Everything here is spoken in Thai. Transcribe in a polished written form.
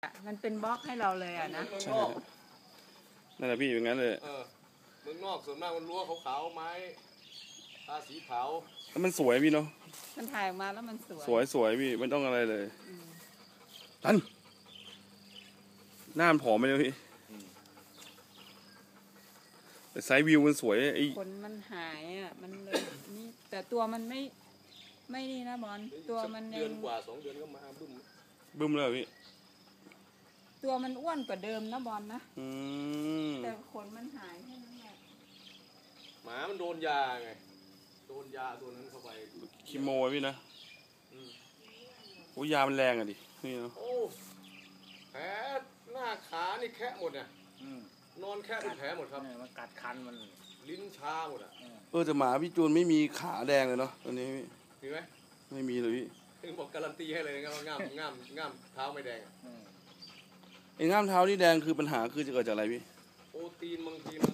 มันเป็นบล็อกให้เราเลยอ่ะนะใช่นั่นแหละพี่อย่างนั้นเลยเมืองนอกส่วนมากมันรั้วขาวๆไม้ตาสีขาวแล้วมันสวยพี่เนาะมันถ่ายออกมาแล้วมันสวยสวยพี่ไม่ต้องอะไรเลยทันหน้ามันผอมไปเลยพี่แต่ไซส์วิวมันสวยไอ้ขนมันหายอ่ะมันเลยนี่แต่ตัวมันไม่นี่นะบอลตัวมันเดือนกว่า2 เดือนก็มาบึ้มเลยพี่ตัวมันอ้วนกว่าเดิมนะบอลนะแต่ขนมันหายแค่นั้นแหละหมามันโดนยาไงโดนยาตัวนั้นเข้าไปคีโมพี่นะโอ้ยามันแรงอ่ะดินี่เนาะโอ้แผลหน้าขานี่แค่หมดเนี่ยนอนแค่เป็นแผลหมดครับมันกัดคันมันลิ้นชาหมดอ่ะแต่หมาพี่จูนไม่มีขาแดงเลยเนาะตอนนี้พี่มีไหมไม่มีเลยพี่ถึงบอกการันตีให้เลยนะครับว่าง่ามเท้าไม่แดงไอ้ง่ามเท้าที่แดงคือปัญหาคือจะเกิดจากอะไรพี่โปรตีนบางทีมัน